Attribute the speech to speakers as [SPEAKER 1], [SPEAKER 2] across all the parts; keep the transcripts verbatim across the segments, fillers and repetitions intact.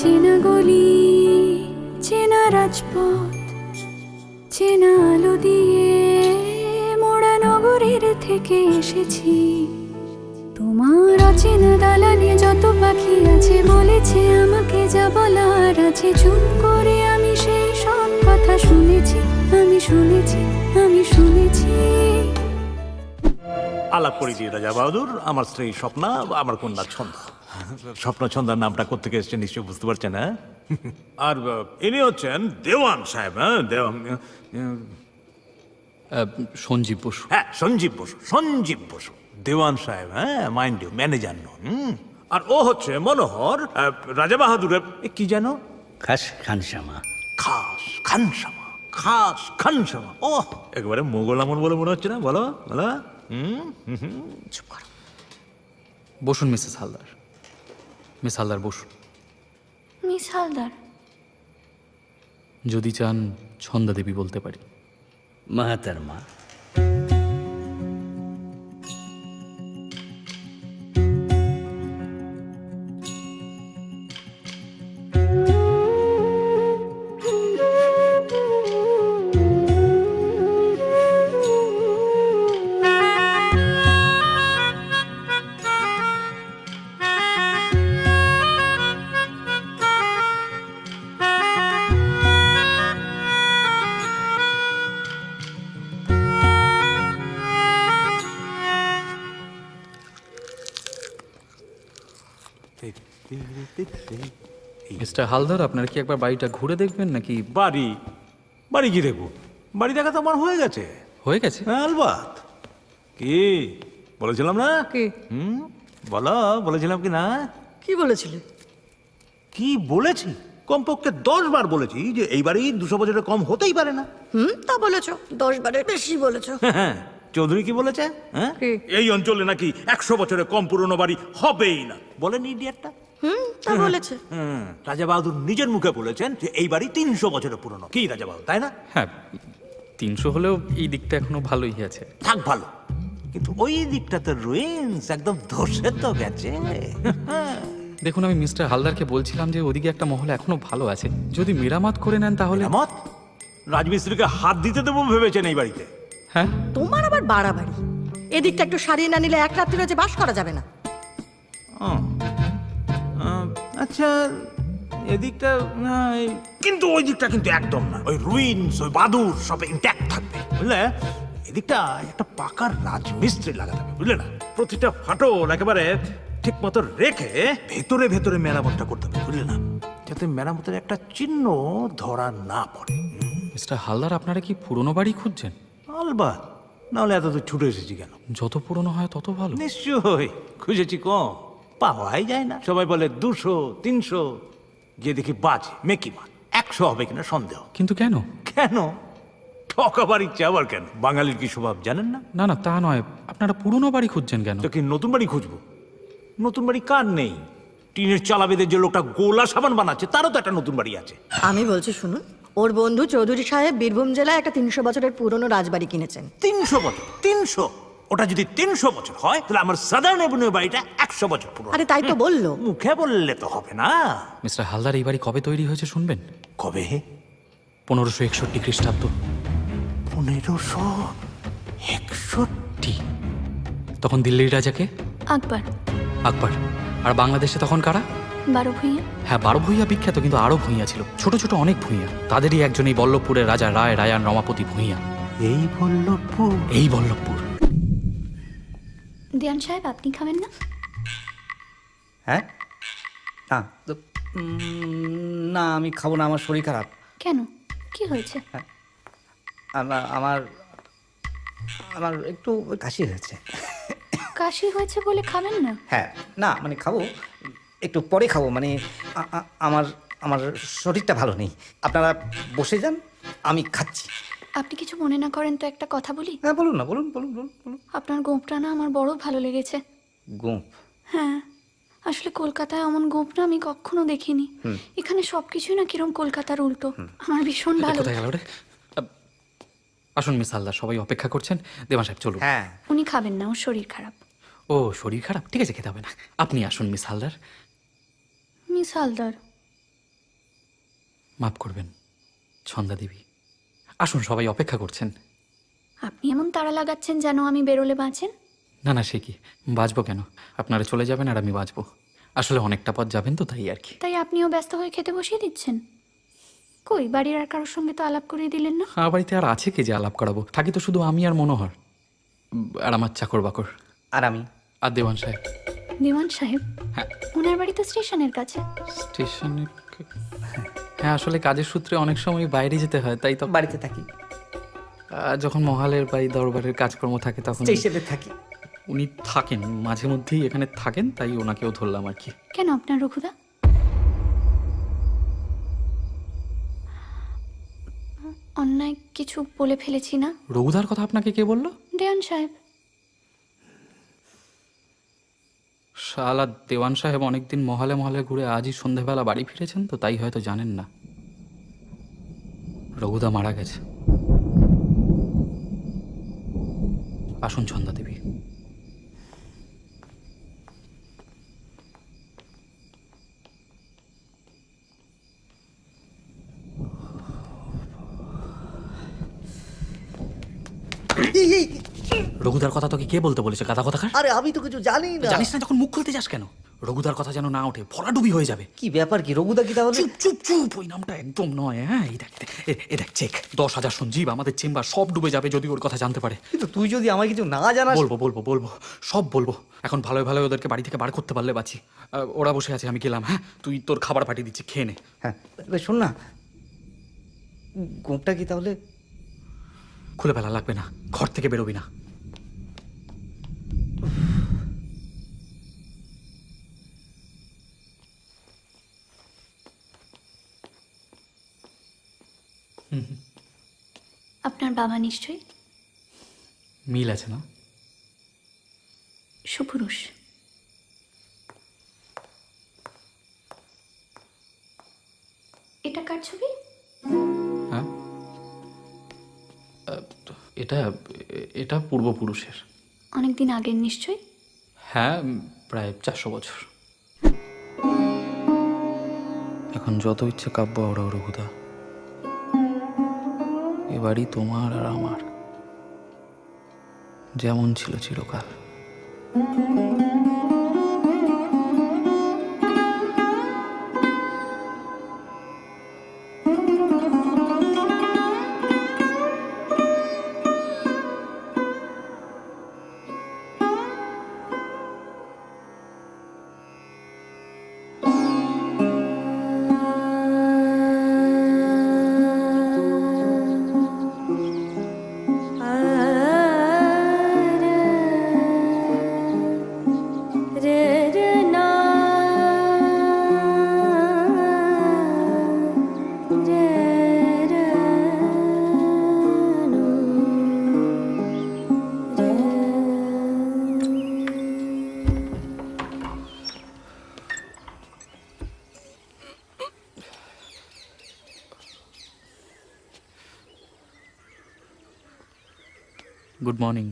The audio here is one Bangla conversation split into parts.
[SPEAKER 1] চেনা গলি, চেনা রাজপথ, চেনা আলো দিয়ে মোড়া নগরের থেকে এসেছি। তোমার অচেনা দালানে যত পাখি আছে বলেছে আমাকে যা বলার আছে, চুপ করে আমি সেই সব কথা শুনেছি, আমি শুনেছি, আমি শুনেছি।
[SPEAKER 2] আলাপ করে দিয়ে রাজা বাহাদুর, আমার স্ত্রী স্বপ্না, আমার কন্যা ছন্দা। স্বপ্ন ছন্দার নামটা কোত্থেকে এসছে নিশ্চয়ই বুঝতে পারছেন। হ্যাঁ, আর আহ, ইনি হচ্ছেন দেওয়ান সাহেব। হ্যাঁ, দেওয়ান,
[SPEAKER 3] সঞ্জীব বসু।
[SPEAKER 2] হ্যাঁ, সঞ্জীব বসু, সঞ্জীব বসু দেওয়ান সাহেব। হ্যাঁ, মাইন্ড ইউ, ম্যানেজার নন। হুম। আর ও হচ্ছে মনোহর, আহ, রাজা বাহাদুরের এ, কি যেন
[SPEAKER 4] খাস খানসামা।
[SPEAKER 2] খাস খানসামা, খাস খানসামা। ও একেবারে মোগল আমল বলে মনে হচ্ছে না? বলো বলো। হুম হুম হুম। চুপ করো।
[SPEAKER 3] বসুন মিসেস হালদার, মিস হালদার বসুন।
[SPEAKER 1] মিস হালদার,
[SPEAKER 3] যদি চান ছন্দা দেবী বলতে পারি।
[SPEAKER 4] মাহাতারমা।
[SPEAKER 3] মিস্টার হালদার, আপনারা কি একবার বাড়িটা ঘুরে দেখবেন নাকি?
[SPEAKER 2] বাড়ি বাড়ি কি দেখবো? বাড়ি দেখা তো আমার হয়ে গেছে।
[SPEAKER 3] হয়ে গেছে?
[SPEAKER 2] হ্যাঁ, আলবাত। কি বলেছিলাম না?
[SPEAKER 5] কি
[SPEAKER 2] হুম, বলো, বলেছিলাম কি না?
[SPEAKER 5] কি বলেছিলে?
[SPEAKER 2] কি বলেছি? কমপক্ষে দশ বার বলেছি যে এই বাড়ি দুশো বছরের কম হতেই পারে না।
[SPEAKER 5] হুম, তা বলেছো, দশ বারের বেশি বলেছো।
[SPEAKER 2] হ্যাঁ, চৌধুরী কি বলেছে? হ্যাঁ,
[SPEAKER 5] কি?
[SPEAKER 2] এই অঞ্চলে নাকি একশো বছরের কম পুরনো বাড়ি হবেই না। বলেন ইডিয়েটটা?
[SPEAKER 5] হুম, তা বলেছে।
[SPEAKER 2] হুম, রাজা বাহাদুর নিজের মুখে বলেছেন যে এই বাড়ি তিনশো বছরের পুরনো। কি রাজা বাহাদুর, তাই না?
[SPEAKER 3] হ্যাঁ, তিনশো হলেও এই দিকটা এখনো ভালোই আছে।
[SPEAKER 2] থাক ভালো, কিন্তু ওই দিকটাতে রুইন্স একদম ধসে তো গেছে।
[SPEAKER 3] দেখুন, আমি মিস্টার হালদারকে বলছিলাম যে ওদিকে একটা মহল এখনো ভালো আছে, যদি মেরামত করে নেন তাহলে।
[SPEAKER 2] মত রাজমিস্ত্রিকে হাত দিতে দেবো ভেবেছেন এই বাড়িতে?
[SPEAKER 3] হ্যাঁ,
[SPEAKER 5] তোমার আবার বাড়াবাড়ি। এদিকটা একটু সারিয়ে না নিলে এক রাত্রি রয়েছে বাস করা যাবে না।
[SPEAKER 2] আচ্ছা, এদিকটা না, এই- কিন্তু ওই দিকটা কিন্তু একদম না। ওই রুইন্স, ওই বাদুর সব ইন্ট্যাক্ট থাকবে, বুঝলে? এদিকটা একটা পাকার রাজমিস্ত্রি লাগাতে হবে, বুঝলে না? প্রতিটা ফাটল একেবারে ঠিক মতো রেখে ভেতরে ভেতরে মেরামতটা করতে হবে, বুঝলে না? যাতে মেরামতের একটা চিহ্ন ধরা না পড়ে।
[SPEAKER 3] মিস্টার হালদার, আপনারা কি পুরনো বাড়ি খুঁজছেন?
[SPEAKER 2] আলবাত, নাহলে এত দূর ছুটে এসেছি কেন?
[SPEAKER 3] যত পুরনো হয় তত ভালো।
[SPEAKER 2] নিশ্চয়ই খুঁজেছি, কম পাওয়াই যায় না। সবাই বলে দুশো তিনশো, গিয়ে দেখি বাজে মেকিমা একশো হবে কিনা সন্দেহ।
[SPEAKER 3] কিন্তু কেন?
[SPEAKER 2] কেন ঠকাবার ইচ্ছে আবার কেন? বাঙালির কি স্বভাব জানেন না?
[SPEAKER 3] না না, তা নয়, আপনারা পুরনো বাড়ি খুঁজছেন কেন?
[SPEAKER 2] তো কি নতুন বাড়ি খুঁজবো? নতুন বাড়ি কার নেই? টিনের চালা বেঁধে যে লোকটা গোলা সাবান বানাচ্ছে তারও তো একটা নতুন বাড়ি আছে।
[SPEAKER 5] আমি বলছি শুনুন, ওর বন্ধু চৌধুরী সাহেব বীরভূম জেলায় একটা তিনশো বছরের পুরনো রাজবাড়ি কিনেছেন।
[SPEAKER 2] তিনশো বছর? তিনশো? ওটা যদি তিনশো বছর হয় তাহলে আমার সাদার্ন এভিনিউ বাড়িটা একশো বছর পুরনো।
[SPEAKER 5] আরে তাই তো বললো।
[SPEAKER 2] মুখে বললে তো হবে না।
[SPEAKER 3] মিস্টার হালদার, এই বাড়ি কবে তৈরি হয়েছে শুনবেন?
[SPEAKER 2] কবে?
[SPEAKER 3] পনেরোশো একষট্টি খ্রিস্টাব্দ।
[SPEAKER 2] পনেরোশো একষট্টি?
[SPEAKER 3] তখন দিল্লির রাজাকে
[SPEAKER 1] আকবর।
[SPEAKER 3] আকবর। আর বাংলাদেশে তখন কারা?
[SPEAKER 1] বারো ভূঁইয়া।
[SPEAKER 3] হ্যাঁ, বারো ভূঁইয়া বিখ্যাত, কিন্তু আরো ভূঁইয়া ছিল, ছোট ছোট অনেক ভূঁইয়া। তাদেরই একজন এই বল্লভপুরের রাজা রায় রায়ান রমাপতি ভূঁইয়া।
[SPEAKER 2] এই বল্লভপুর?
[SPEAKER 3] এই বল্লভপুর।
[SPEAKER 1] দেওয়ান সাহেব, আপনি খাবেন না?
[SPEAKER 4] হ্যাঁ, না তো, উম, না আমি খাবো না, আমার শরীর খারাপ।
[SPEAKER 1] কেন, কি হয়েছে?
[SPEAKER 4] আমার আমার আমার একটু কাশি হয়েছে।
[SPEAKER 1] কাশি হয়েছে বলে খাবেন না?
[SPEAKER 4] হ্যাঁ, না মানে খাবো, একটু পরে খাবো, মানে আ- আ- আমার আমার শরীরটা ভালো নেই। আপনারা বসে যান, আমি খাচ্ছি।
[SPEAKER 1] আপনি কিছু মনে না করেন তো একটা কথা বলি?
[SPEAKER 4] হ্যাঁ বলুন না, বলুন বলুন বলুন বলুন।
[SPEAKER 1] আপনার গোঁপটা না আমার বড় ভালো লেগেছে।
[SPEAKER 4] গোঁপ?
[SPEAKER 1] হ্যাঁ, আসলে কলকাতায় এমন গোঁপ না আমি কখনো দেখিনি। এখানে সবকিছুই না কিরম কলকাতার উল্টো। আমার ভীষণ
[SPEAKER 3] এটা
[SPEAKER 1] ভালো।
[SPEAKER 3] কোথায় গেল রে? আব, আসুন মিস হালদার, সবাই অপেক্ষা করছেন। দেওয়ান সাহেব চলুন।
[SPEAKER 4] হ্যাঁ,
[SPEAKER 1] উনি খাবেন না, ওর শরীর খারাপ।
[SPEAKER 3] ও, শরীর খারাপ? ঠিক আছে, খেতে হবে না। আপনি আসুন মিস হালদার।
[SPEAKER 1] মিস হালদার,
[SPEAKER 3] মাফ করবেন ছন্দা দেবী, আসুন, সবাই অপেক্ষা করছেন।
[SPEAKER 1] আপনি এমন তাড়া লাগাচ্ছেন যেন আমি বেরোলে বাঁচেন।
[SPEAKER 3] না না, সে কি, বাঁচবো কেন? আপনারা চলে যাবেন আর আমি বাঁচবো। আসলে অনেকটা পথ যাবেন তো, তাই আর কি।
[SPEAKER 1] তাই আপনিও ব্যস্ত হয়ে খেতে বসিয়ে দিচ্ছেন? কই, বাড়ির আর কারোর সঙ্গে তো আলাপ করিয়ে দিলেন না।
[SPEAKER 3] আমার বাড়িতে আর আছে কে যে আলাপ করাবো? থাকি তো শুধু আমি আর মনোহর, উম, আর আমার চাকর বাকর,
[SPEAKER 4] আর আমি।
[SPEAKER 3] আর দেওয়ান সাহেব।
[SPEAKER 1] দিওয়ান সাহেব?
[SPEAKER 3] হ্যাঁ।
[SPEAKER 1] ওনার বাড়ি তো স্টেশনের কাছে।
[SPEAKER 3] স্টেশনে? হ্যাঁ, আসলে কাজের সূত্রে অনেক সময় বাইরে যেতে হয়, তাই তো
[SPEAKER 4] বাড়িতে থাকি,
[SPEAKER 3] আহ, যখন মহালের বা এই দরবারের কাজকর্ম থাকে তখন
[SPEAKER 4] স্টেশনে থাকি।
[SPEAKER 3] উনি থাকেন, মাঝে মধ্যেই এখানে থাকেন, তাই ওনাকেও ধরলাম আর কি।
[SPEAKER 1] কেন আপনার রঘুদা? অন্যায় কিছু বলে ফেলেছি না?
[SPEAKER 3] রঘুদার কথা আপনাকে কে বললো?
[SPEAKER 1] দেওয়ান সাহেব।
[SPEAKER 3] শালা দেওয়ান সাহেব অনেকদিন মহলে মহলে ঘুরে আজই সন্ধেবেলা বাড়ি ফিরেছেন, তো তাই হয়তো জানেন না রঘুদা মারা গেছে। আসুন ছন্দা দেবী।
[SPEAKER 4] এই, এই,
[SPEAKER 3] রঘুদার কথা তোকে কে বলতে বলেছে, গাদা কথা?
[SPEAKER 4] আরে আমি তো কিছু জানি না।
[SPEAKER 3] জানিস না যখন মুখ খুলতে যাস কেন? রঘুদার কথা যেন না ওঠে, ভরাডুবি হয়ে যাবে।
[SPEAKER 4] কি ব্যাপার কি রঘুদা কি তাহলে?
[SPEAKER 3] চুপ চুপ চুপ, ওই নামটা একদম নয়। হ্যাঁ, এই দেখ এ- এ দেখ, চেক দশ হাজার সঞ্জীব, আমাদের চেম্বার সব ডুবে যাবে যদি ওর কথা জানতে পারে।
[SPEAKER 4] কিন্তু তুই যদি আমার কিছু না জানাস।
[SPEAKER 3] বলবো বলবো বলবো, সব বলবো। এখন ভালো ভালো ওদেরকে বাড়ি থেকে বার করতে পারলে বাঁচি। আহ, ওরা বসে আছে, আমি গেলাম। হ্যাঁ, তুই তোর খাবার পাঠিয়ে দিচ্ছি, খেয়ে নে।
[SPEAKER 4] হ্যাঁ, এবার শোন না, গোপটা কি তাহলে?
[SPEAKER 3] খুলে ফেলা লাগবে না, ঘর থেকে বেরোবি না।
[SPEAKER 1] আপনার বাবা নিশ্চয়ই
[SPEAKER 3] মিল আছে না?
[SPEAKER 1] সুপুরুষ। এটা কার ছবি?
[SPEAKER 3] হ্যাঁ, আহ, এটা এটা পূর্বপুরুষের।
[SPEAKER 1] অনেকদিন আগের নিশ্চয়ই।
[SPEAKER 3] হ্যাঁ, উম, প্রায় চারশো বছর। এখন যত ইচ্ছে কাব্য ওরা রঘুদা, এবারই তোমার আর আমার, যেমন ছিল চিরকাল। Good morning.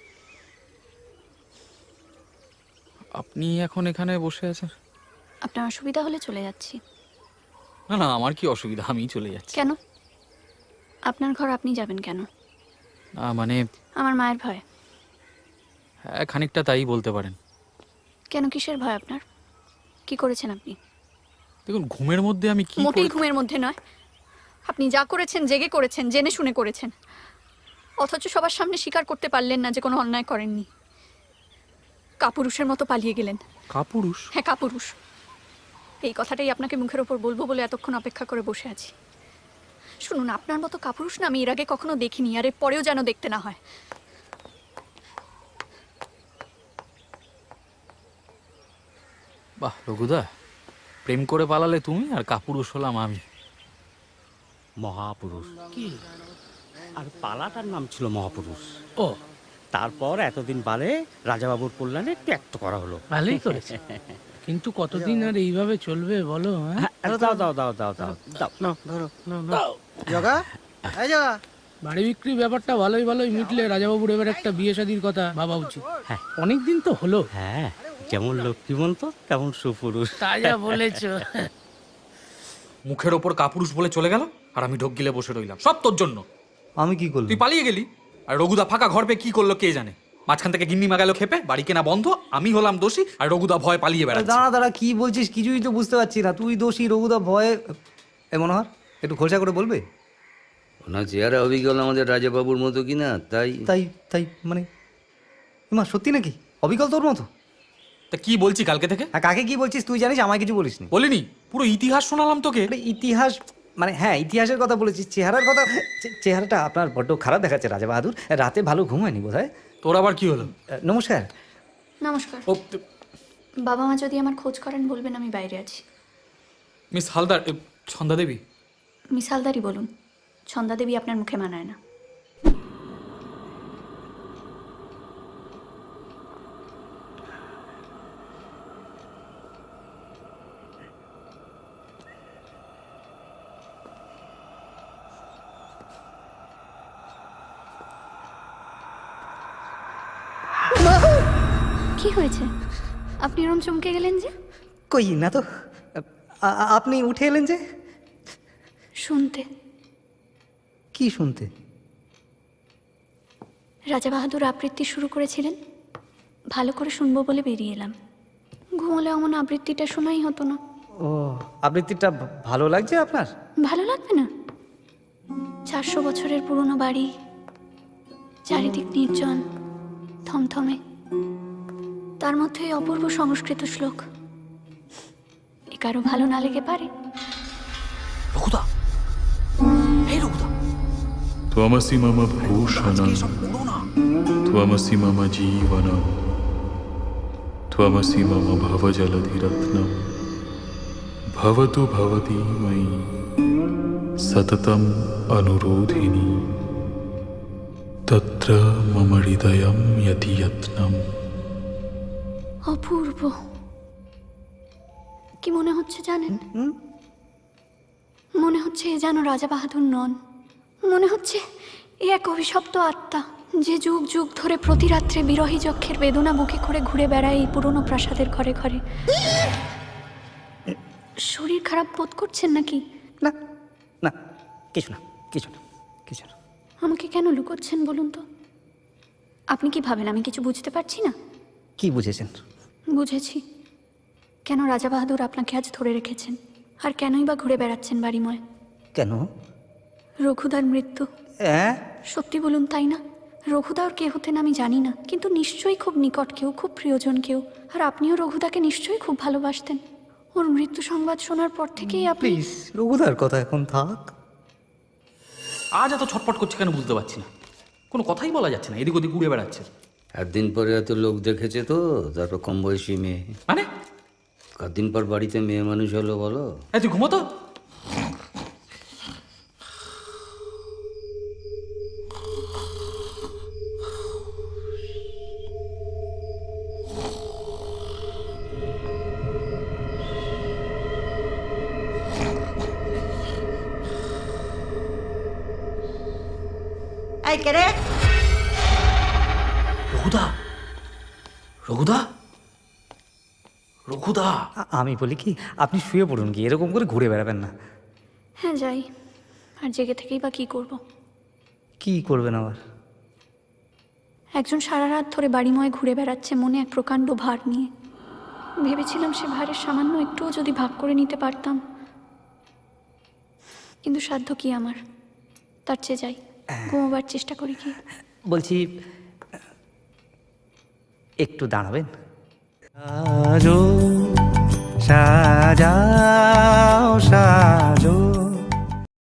[SPEAKER 3] আপনি এখন এখানে বসে আছেন?
[SPEAKER 1] আপনার অসুবিধা হলে চলে যাচ্ছি।
[SPEAKER 3] না না, আমার কি অসুবিধা, আমি চলে যাচ্ছি।
[SPEAKER 1] কেন? আপনার ঘর আপনি যাবেন কেন?
[SPEAKER 3] না মানে,
[SPEAKER 1] আমার মায়ের ভয়।
[SPEAKER 3] হ্যাঁ, খানিকটা তাই বলতে পারেন।
[SPEAKER 1] কেন, কিসের ভয় আপনার? কি করেছেন আপনি?
[SPEAKER 3] দেখুন, ঘুমের মধ্যে আমি কি
[SPEAKER 1] মোটেই
[SPEAKER 3] করে-
[SPEAKER 1] ঘুমের মধ্যে নয়। আপনি যা করেছেন জেগে করেছেন, জেনে শুনে করেছেন, অথচ সবার সামনে স্বীকার করতে পারলেন না যে কোনো অন্যায় করেননি। কাপুরুষের মতো পালিয়ে গেলেন।
[SPEAKER 3] কাপুরুষ?
[SPEAKER 1] হ্যাঁ, কাপুরুষ। এই কথাটাই আপনাকে মুখের ওপর বলবো বলে এতক্ষণ অপেক্ষা করে বসে আছি। শুনুন, আপনার মতো কাপুরুষ না আমি এর আগে কখনো দেখিনি, আর এর পরেও যেন দেখতে না হয়।
[SPEAKER 3] বাহ রঘুদা, প্রেম করে পালালে তুমি আর কাপুরুষ হলাম আমি।
[SPEAKER 6] মহাপুরুষ কি? আর পালাটার নাম ছিল মহাপুরুষ।
[SPEAKER 7] ও,
[SPEAKER 6] তারপর এতদিন বাদে রাজাবাবুর কল্যাণে ত্যাগ করা হলো।
[SPEAKER 7] ভালোই করেছে। কিন্তু কতদিন আর এইভাবে চলবে বলো? হ্যাঁ?
[SPEAKER 6] হ্যাঁ, দাও দাও দাও দাও দাও দাও
[SPEAKER 7] নাও, ধরো, নাও, নাও।
[SPEAKER 6] দাও।
[SPEAKER 8] জগা, এই জগা,
[SPEAKER 7] বাড়ি বিক্রির ব্যাপারটা ভালোই ভালোই মিটলে রাজাবাবুর এবার একটা বিয়ে শাদির কথা ভাবা উচিত।
[SPEAKER 6] হ্যাঁ।
[SPEAKER 7] অনেকদিন তো হলো।
[SPEAKER 6] হ্যাঁ, যেমন লক্ষ্মীমন্ত তেমন সুপুরুষ।
[SPEAKER 7] তা যা বলেছ।
[SPEAKER 3] মুখের ওপর কাপুরুষ বলে চলে গেল আর আমি ঢোক গিলে বসে রইলাম, সব তোর জন্য।
[SPEAKER 4] আমি কি করলাম?
[SPEAKER 3] তুই পালিয়ে গেলি আর রঘুদা ফাঁকা ঘর পেয়ে কি করলো কে জানে, মাঝখান থেকে গিন্নি মাগালো খেপে, বাড়ি কেনা বন্ধ, আমি হলাম দোষী আর রঘুদা ভয় পালিয়ে বেড়াচ্ছে।
[SPEAKER 4] দাঁড়া দাঁড়া, কি বলছিস কিছুই তো বুঝতে পারছি না। তুই দোষী, রঘুদা ভয়ে। এ মনোহর, একটু খোলসা করে বলবে?
[SPEAKER 9] ওনার চেহারা অবিকল আমাদের রাজাবাবুর মতো কিনা, তাই
[SPEAKER 4] তাই তাই মানে মা সত্যি নাকি অবিকল তোর মতো?
[SPEAKER 3] তা কি বলছি কালকে থেকে?
[SPEAKER 4] হ্যাঁ, কাকে কি বলছিস তুই জানিস, আমায় কিছু বলিসনি।
[SPEAKER 3] বলিনি, পুরো ইতিহাস শোনালাম তোকে।
[SPEAKER 4] আরে ইতিহাস মানে হ্যাঁ ইতিহাসের কথা বলেছিস, চেহারার কথা। চে- চেহারাটা আপনার বড্ড খারাপ দেখাচ্ছে রাজা বাহাদুর, রাতে ভালো ঘুম হয়নি বোধ হয়।
[SPEAKER 3] তোর আবার কি হলো?
[SPEAKER 4] নমস্কার।
[SPEAKER 1] নমস্কার।
[SPEAKER 3] ও
[SPEAKER 1] বাবা মা যদি আমার খোঁজ করেন বলবেন আমি বাইরে আছি।
[SPEAKER 3] মিস হালদার, এ, ছন্দা দেবী।
[SPEAKER 1] মিস হালদারই বলুন, ছন্দা দেবী আপনার মুখে মানায় না। কি হয়েছে? আপনি এরম চমকে গেলেন যে?
[SPEAKER 4] কই না তো। আ- আ- আপনি উঠে এলেন যে?
[SPEAKER 1] শুনতে।
[SPEAKER 4] কি শুনতে?
[SPEAKER 1] রাজা বাহাদুর আবৃত্তি শুরু করেছিলেন, ভালো করে শুনবো বলে বেরিয়ে এলাম। ঘুমলে অমন আবৃত্তিটা শোনাই হতো না।
[SPEAKER 4] ও, আবৃত্তিটা ভা- ভালো লাগছে আপনার?
[SPEAKER 1] ভালো লাগবে না? চারশো বছরের পুরনো বাড়ি, চারিদিক নির্জন, থমথমে, তার মধ্যে এই অপূর্ব সংস্কৃত শ্লোক। এ কারো ভালো না লেগে পারে?
[SPEAKER 3] রঘুদা, এই রঘুদা,
[SPEAKER 10] त्वमसि मम भूषणं
[SPEAKER 3] এসব পুরো না।
[SPEAKER 10] त्वमसि मम जीवनं त्वमसि मम भवजलधिरत्नं भवतु भवती मयि सततम् अनुरोधिनी तत्र मम हृदयं यति यत्नम्।
[SPEAKER 1] অপূর্ব। কি মনে হচ্ছে জানেন? মনে হচ্ছে এ যেন রাজা বাহাদুর নন, মনে হচ্ছে এ এক অভিশপ্ত আত্মা, যে যুগ যুগ ধরে প্রতি রাত্রে বিরহী যক্ষের বেদনা বুকে করে ঘুরে বেড়ায় এই পুরনো প্রাসাদের ঘরে ঘরে। শরীর খারাপ বোধ করছেন নাকি?
[SPEAKER 4] না না, কিছু না কিছু না কিছু না।
[SPEAKER 1] আমাকে কেন লুকোচ্ছেন বলুন তো? আপনি কি ভাবেন আমি কিছু বুঝতে পারছি না?
[SPEAKER 4] কি বুঝেছেন?
[SPEAKER 1] বুঝেছি, কেন রাজা বাহাদুর আপনাকে আজ ধরে রেখেছেন, আর কেনই বা ঘুরে বেড়াচ্ছেন বাড়িময়।
[SPEAKER 4] কেন?
[SPEAKER 1] রঘুদার মৃত্যু।
[SPEAKER 4] হ্যাঁ,
[SPEAKER 1] সত্যি বলুন, তাই না? রঘুদা ওর কে হতেন আমি জানি না, কিন্তু নিশ্চয়ই খুব নিকট কেউ, খুব প্রিয়জন কেউ। আর আপনিও রঘুদাকে নিশ্চয়ই খুব ভালোবাসতেন। ওর মৃত্যু সংবাদ শোনার পর থেকেই আপনি...
[SPEAKER 4] প্লিজ রঘুদার কথা এখন থাক।
[SPEAKER 3] আজ এত ছটপট করছে কেন বুঝতে পারছি না, কোনো কথাই বলা যাচ্ছে না, এদিক ওদিক উড়ে বেড়াচ্ছে।
[SPEAKER 9] একদিন পরে এত লোক দেখেছে তো, তারপর কম বয়সী মেয়ে।
[SPEAKER 3] মানে
[SPEAKER 9] কদিন পর বাড়িতে মেয়ে মানুষ হলো বলো?
[SPEAKER 3] এই তুই ঘুমো তো।
[SPEAKER 5] এই কে রে?
[SPEAKER 3] রঘুদা, রঘুদা, রঘুদা।
[SPEAKER 4] আ- আমি বলি কি, আপনি শুয়ে পড়ুন, কি এরকম করে ঘুরে বেড়াবেন না।
[SPEAKER 1] হ্যাঁ যাই, আর জেগে থেকেই বা কী করব?
[SPEAKER 4] কি করবেন আবার?
[SPEAKER 1] একজন সারা রাত ধরে বাড়িময় ঘুরে বেড়াচ্ছে মনে এক প্রকাণ্ড ভার নিয়ে। ভেবেছিলাম সে ভারের সামান্য একটুও যদি ভাগ করে নিতে পারতাম, কিন্তু সাধ্য কি আমার? তার চেয়ে যাই, ঘুমোবার চেষ্টা করি কি।
[SPEAKER 4] বলছি একটু দাঁড়াবেন?
[SPEAKER 8] সাজাও সাজাও